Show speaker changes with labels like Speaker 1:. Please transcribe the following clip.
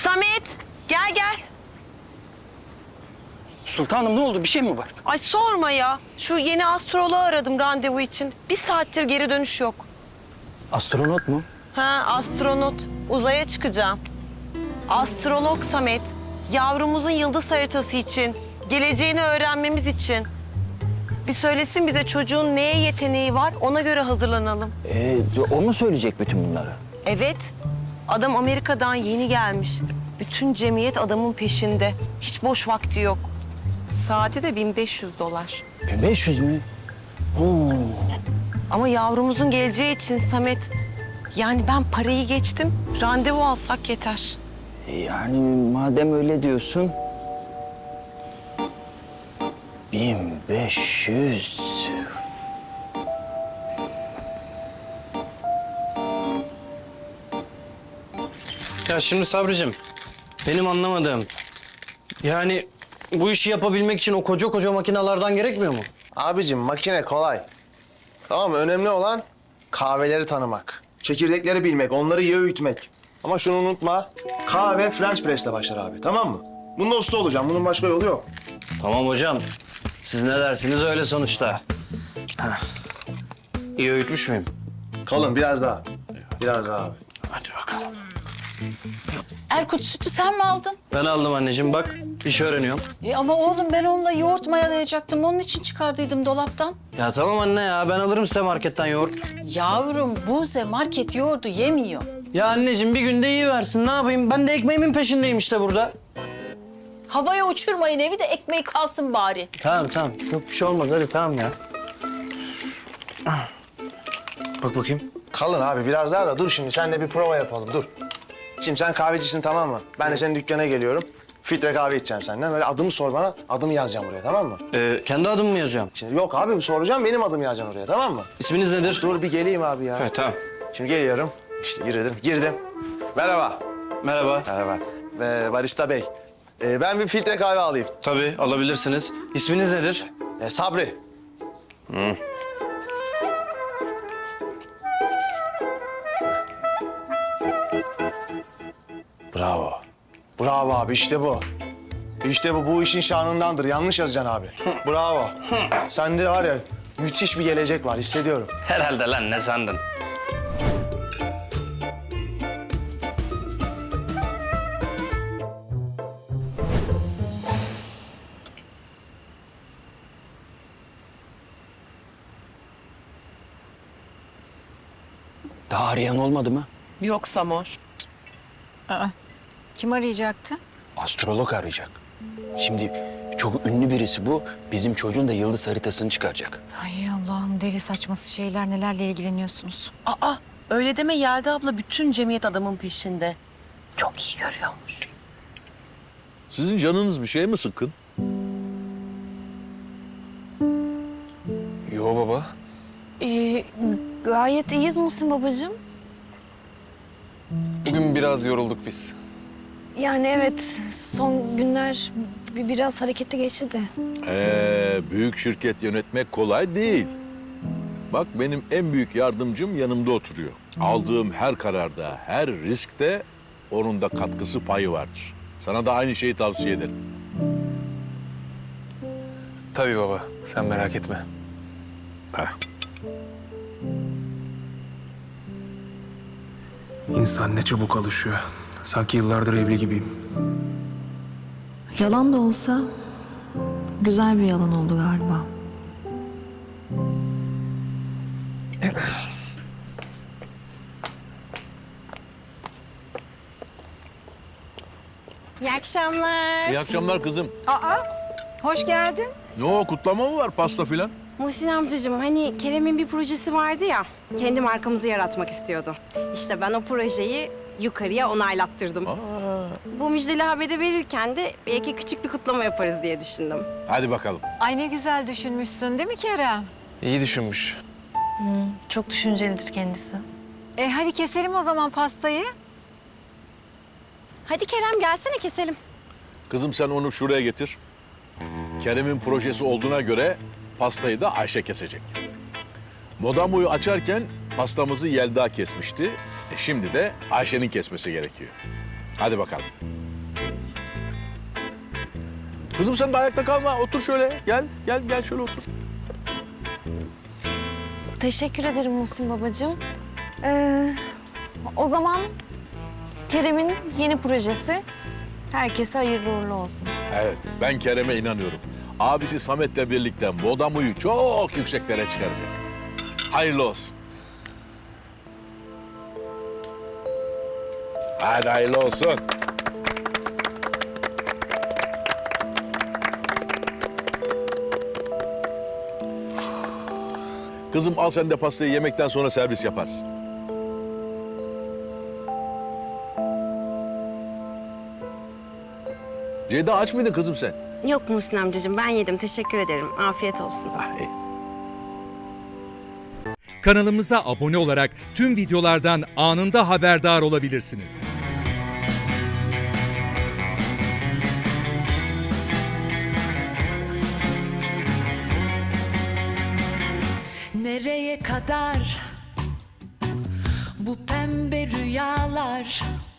Speaker 1: Samet, gel gel.
Speaker 2: Sultanım ne oldu? Bir şey mi var?
Speaker 1: Ay sorma ya. Şu yeni astroloğu aradım randevu için. Bir saattir geri dönüş yok.
Speaker 2: Astronot mu?
Speaker 1: Ha, astronot. Uzaya çıkacağım. Astrolog Samet. Yavrumuzun yıldız haritası için. Geleceğini öğrenmemiz için. Bir söylesin bize çocuğun neye yeteneği var, ona göre hazırlanalım.
Speaker 2: O mu söyleyecek bütün bunları?
Speaker 1: Evet. Adam Amerika'dan yeni gelmiş. Bütün cemiyet adamın peşinde. Hiç boş vakti yok. Saati de $1500.
Speaker 2: 500 mü?
Speaker 1: Ama yavrumuzun geleceği için Samet... Yani ben parayı geçtim, randevu alsak yeter.
Speaker 2: Yani madem öyle diyorsun... 1500...
Speaker 3: Ya şimdi Sabricim, benim anlamadığım... Yani bu işi yapabilmek için o koca koca makinelerden gerekmiyor mu?
Speaker 4: Abicim makine kolay. Tamam mı? Önemli olan kahveleri tanımak. Çekirdekleri bilmek, onları iyi öğütmek. Ama şunu unutma, kahve French press'le başlar abi, tamam mı? Bunda usta olacağım, bunun başka yolu yok.
Speaker 3: Tamam hocam. Siz ne dersiniz öyle sonuçta. Heh. İyi öğütmüş müyüm?
Speaker 4: Kalın, biraz daha. Biraz daha abi.
Speaker 3: Hadi bakalım.
Speaker 5: Erkut sütü sen mi aldın?
Speaker 3: Ben aldım anneciğim bak. Bir şey öğreniyorum.
Speaker 5: Ama oğlum ben onunla yoğurt mayalayacaktım. Onun için çıkardıydım dolaptan.
Speaker 3: Ya tamam anne ya ben alırım size marketten yoğurt.
Speaker 5: Yavrum Buze market yoğurdu yemiyor.
Speaker 3: Ya anneciğim bir günde iyi versin ne yapayım? Ben de ekmeğimin peşindeyim işte burada.
Speaker 5: Havaya uçurmayın evi de ekmeği kalsın bari.
Speaker 3: Tamam tamam. Yok bir şey olmaz hadi tamam ya. Bak bakayım.
Speaker 4: Kalın abi, biraz daha da dur şimdi, seninle bir prova yapalım, dur. Şimdi sen kahvecisin, tamam mı? Ben de senin dükkana geliyorum. Filtre kahve içeceğim senden. Böyle adımı sor bana, adımı yazacağım buraya, tamam mı?
Speaker 3: Kendi adımı mı yazıyorum?
Speaker 4: Şimdi yok abi, soracağım, benim adımı yazacaksın oraya, tamam mı?
Speaker 3: İsminiz nedir?
Speaker 4: Dur bir geleyim abi ya.
Speaker 3: Evet tamam.
Speaker 4: Şimdi geliyorum. İşte girdim. Merhaba.
Speaker 3: Merhaba.
Speaker 4: Merhaba. Barista Bey. Ben bir filtre kahve alayım.
Speaker 3: Tabii alabilirsiniz. İsminiz nedir?
Speaker 4: Sabri. Bravo. Bravo abi, işte bu. İşte bu işin şanındandır. Yanlış yazacaksın abi. Bravo. Sende var ya, müthiş bir gelecek var, hissediyorum.
Speaker 3: Herhalde lan ne sandın?
Speaker 2: Daha arayan olmadı mı?
Speaker 1: Yok Samoş.
Speaker 6: Kim arayacaktı?
Speaker 2: Astrolog arayacak. Şimdi çok ünlü birisi bu. Bizim çocuğun da yıldız haritasını çıkaracak.
Speaker 6: Ay Allah'ım deli saçması şeyler nelerle ilgileniyorsunuz.
Speaker 1: Aa, öyle deme Yelda abla. Bütün cemiyet adamın peşinde. Çok iyi görüyormuş.
Speaker 7: Sizin canınız bir şey mi sıkkın?
Speaker 2: Yo baba.
Speaker 8: Gayet iyiyiz Muhsin babacığım.
Speaker 9: Bugün biraz yorulduk biz.
Speaker 8: Yani evet, son günler biraz hareketli geçti de.
Speaker 7: Büyük şirket yönetmek kolay değil. Bak benim en büyük yardımcım yanımda oturuyor. Aldığım her kararda, her riskte onun da katkısı payı vardır. Sana da aynı şeyi tavsiye ederim.
Speaker 9: Tabii baba, sen merak etme.
Speaker 10: İnsan ne çabuk alışıyor. Sanki yıllardır evli gibiyim.
Speaker 8: Yalan da olsa güzel bir yalan oldu galiba.
Speaker 6: İyi akşamlar.
Speaker 7: İyi akşamlar kızım.
Speaker 6: Hoş geldin.
Speaker 7: Ne o, kutlama mı var, pasta filan?
Speaker 11: Muhsin amcacığım hani Kerem'in bir projesi vardı ya, kendi markamızı yaratmak istiyordu. İşte ben o projeyi yukarıya onaylattırdım. Bu müjdeli haberi verirken de belki küçük bir kutlama yaparız diye düşündüm.
Speaker 7: Hadi bakalım.
Speaker 6: Ay ne güzel düşünmüşsün değil mi Kerem?
Speaker 9: İyi düşünmüş.
Speaker 8: Çok düşüncelidir kendisi.
Speaker 6: Hadi keselim o zaman pastayı.
Speaker 11: Hadi Kerem gelsene keselim.
Speaker 7: Kızım sen onu şuraya getir. Kerem'in projesi olduğuna göre pastayı da Ayşe kesecek. Modamo'yu açarken pastamızı Yelda kesmişti. Şimdi de Ayşe'nin kesmesi gerekiyor. Hadi bakalım. Kızım sen de ayakta kalma. Otur şöyle. Gel şöyle otur.
Speaker 8: Teşekkür ederim Muhsin babacığım. O zaman Kerem'in yeni projesi herkese hayırlı uğurlu olsun.
Speaker 7: Evet, ben Kerem'e inanıyorum. Abisi Samet'le birlikte Modamu'yu çok yükseklere çıkaracak. Hayırlı olsun. Hadi hayırlı olsun. Kızım al sen de pastayı, yemekten sonra servis yaparsın. Ceyda aç mıydın kızım sen?
Speaker 11: Yok Muhsin amcacığım, ben yedim. Teşekkür ederim. Afiyet olsun.
Speaker 7: Ah, iyi.
Speaker 12: Kanalımıza abone olarak tüm videolardan anında haberdar olabilirsiniz.
Speaker 13: Nereye kadar bu pembe rüyalar?